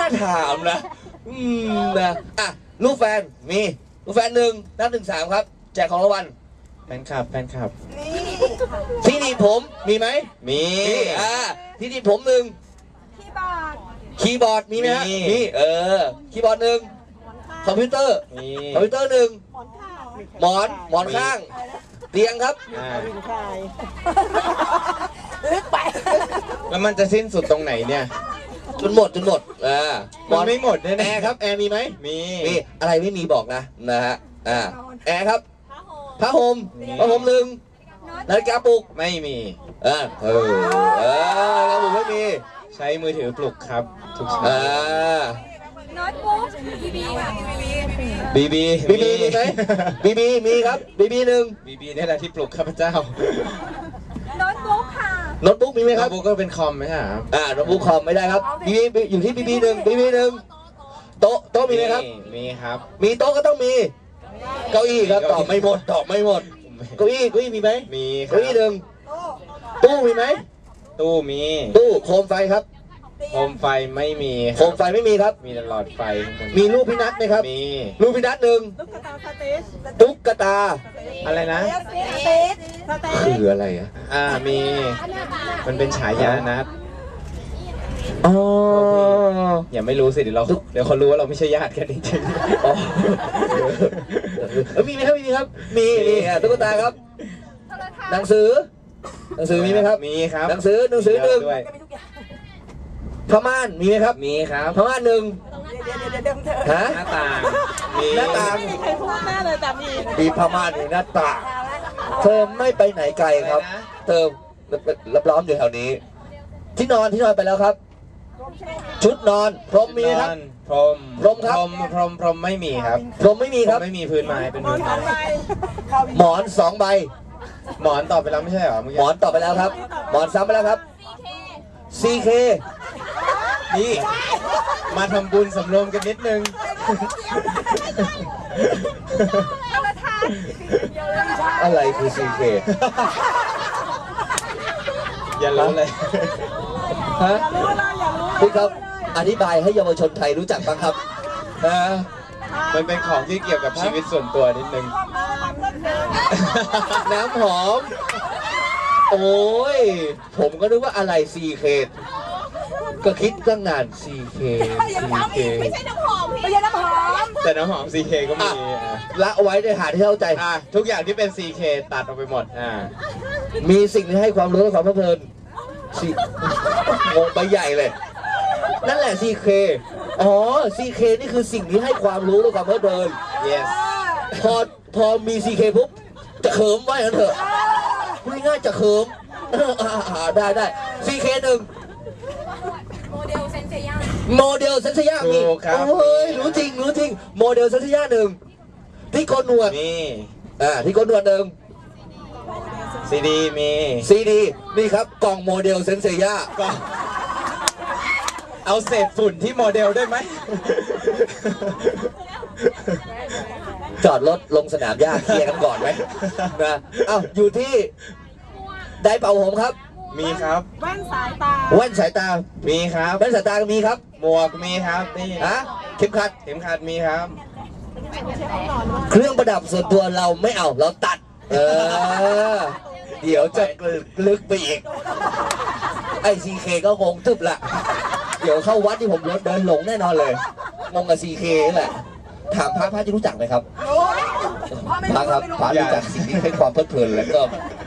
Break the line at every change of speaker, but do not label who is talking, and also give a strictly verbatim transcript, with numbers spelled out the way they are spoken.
น่าถามนะอืมนะอ่ะลูกแฟนมีลูกแฟนหนึ่งนับหนึ่งสามครับแจกของรางวัล
แฟนคลับแฟนคลับ
ที่ดีผมมีไหม
มี
อ่าที่ดีผมหนึ่งคีย์บอร์ดมีไหมฮะมีเออคีย์บอร์ดหนึ่งคอมพิวเตอร์คอมพิวเตอร์หนึ่งหมอนหมอนข้างเตียงครับ
ลึกไป
แล้วมันจะสิ้นสุดตรงไหนเนี่ย
จนหมดจนหมดอ่า
หมอนไม่หมดแน่
แอร์ครับแอร์มีไหม
มี
มีอะไรไม่มีบอกนะนะฮะอ่าแอร์ครับผ้าห่มผ้าห่มหนึ่งนาฬิกาปลุก
ไม่มี
อ่าเออเออนาฬิกาปลุกไม่มี
ใช้มือถือปลุกครับทุกเช้า
อ่า
โน้ตบุ๊กบีบีค่ะ
บีบี
บีบีมีไหมบีบีมีครับบีบีหนึ่ง
บีบีนี่แหละที่ปลุกข้าพเจ้า
โน้ตบุ๊กค่ะ
โน้ตบุ๊กมีไหมครับ
โน้ตบุ๊กก็เป็นคอมไหมครับ
อ่าโน้ตบุ๊กคอมไม่ได้ครับบีบีอยู่ที่บีบีหนึ่งบีบีหนึ่งโต๊ะโต๊ะมีไหมครับ
มีครับ
มีโต๊ะก็ต้องมีเก้าอี้ครับตอบไม่หมดตอบไม่หมดเก้าอี้เก้าอี้มีไหม
มี
เก้าอี้หนึ่งตู้มีไหม
ตู้มี
ตู้โคมไฟครับ
โคมไฟไม่มี
โคมไฟไม่มีครับ
มีแต่หลอดไฟ
มีรูปพี่นัทไหมครับ
มี
รูปพี่นัทหนึ่งตุ๊กตา
อะไรนะ
คืออะไรอ่ะ
อ่ามีมันเป็นฉายานัท
อ๋อ
อย่าไม่รู้สิเดี๋ยวเราเดี๋ยวเขารู้ว่าเราไม่ใช่ญาติกันจริงๆ
อ๋อมีไหมครับมีครับมีมีตุ๊กตาครับหนังสือหนังสือมีไหมครับ
มีครับ
หนังสือหนังสือหนึ่งผ้าม่านมีไหมครับ
มีครับ
ผ้าม่านหนึ่งฮะ
หน้าต่าง
มีหน้าต่าง
ไม่มีใครพูดแม่เลยแต่มี
มีผ้าม่านมีหน้าต่างเธอไม่ไปไหนไกลครับเธอรับล้อมอยู่แถวนี้ที่นอนที่นอนไปแล้วครับชุดนอนพรมมีครับ
พรม
พรมครับ
พรมพรมพรมไม่มีครับ
พรมไม่มีครับ
ไม่มีพื้นไม้เป็นพื้นไม้
หมอนสองใบ
หมอนตอบไปแล้วไม่ใช่เหรอ
หมอนตอบไปแล้วครับหมอนซ้ำไปแล้วครับ ซี เค
นี่มาทำบุญสำรวมกันนิดนึง
อะไรคือ ซี เค
อย่ารู้เลย
ฮะพี่ครับอธิบายให้เยาวชนไทยรู้จักบ้างครับนะ
มันเป็นของที่เกี่ยวกับชีวิตส่วนตัวนิดนึง
น้ำหอมโอ้ยผมก็นึกว่าอะไร ซี เค ก็คิดตั้งนาน ซี เค ซี เค
ไม่ใช่น้ำหอมพี่ไม่ใช่น้ำหอม
แต่น้ำหอม ซี เค ก็มี
ละไว้ในหาที่เข้าใจ
ทุกอย่างที่เป็น ซี เค ตัดออกไปหมดอ่า
มีสิ่งที่ให้ความรู้และความเพลินงงไปใหญ่เลยนั่นแหละ ซี เค อ๋อ ซี เค นี่คือสิ่งที่ให้ความรู้และความเพลิน
yes
พอพอมี ซี เค ปุ๊บจะเขิมไว้กันเถอะพูดง่ายจะเขิมได้ได้ ซี เค หนึ่ง
โมเดลเซนเซีย
โมเดลเซนเซียมีโอ้ยรู้จริงรู้จริงโมเดลเซนเซียหนึ่งที่โกนหนวด
มี
อ่าที่โกนหนวดหนึ่ง
ซีดีมี
ซีดีนี่ครับกล่องโมเดลเซนเซีย
ก็เอาเศษฝุ่นที่โมเดลได้ไหม
จอดรถลงสนามหญ้าเคลียร์กันก่อนไหมนะเอ้าอยู่ที่ไดเป่าผมครับ
มีครับ
แว่นสายตา
แว่นสายตา
มีครับ
แว่นสายตามีครับ
หมวกมีครับนี่
ฮะเข็มขัด
เข็มขัดมีครับ
เครื่องประดับส่วนตัวเราไม่เอาเราตัดเออเดี๋ยวจะลึกไปอีกไอซีเคก็คงทึบละเดี๋ยวเข้าวัดที่ผมรถเดินหลงแน่นอนเลยงงกับซีเคนี่แหละถามพระพระจะรู้จักไหมครับพระครับพระรู้จักสิ่งที่ให้ความเพลิดเพลินแล้วก็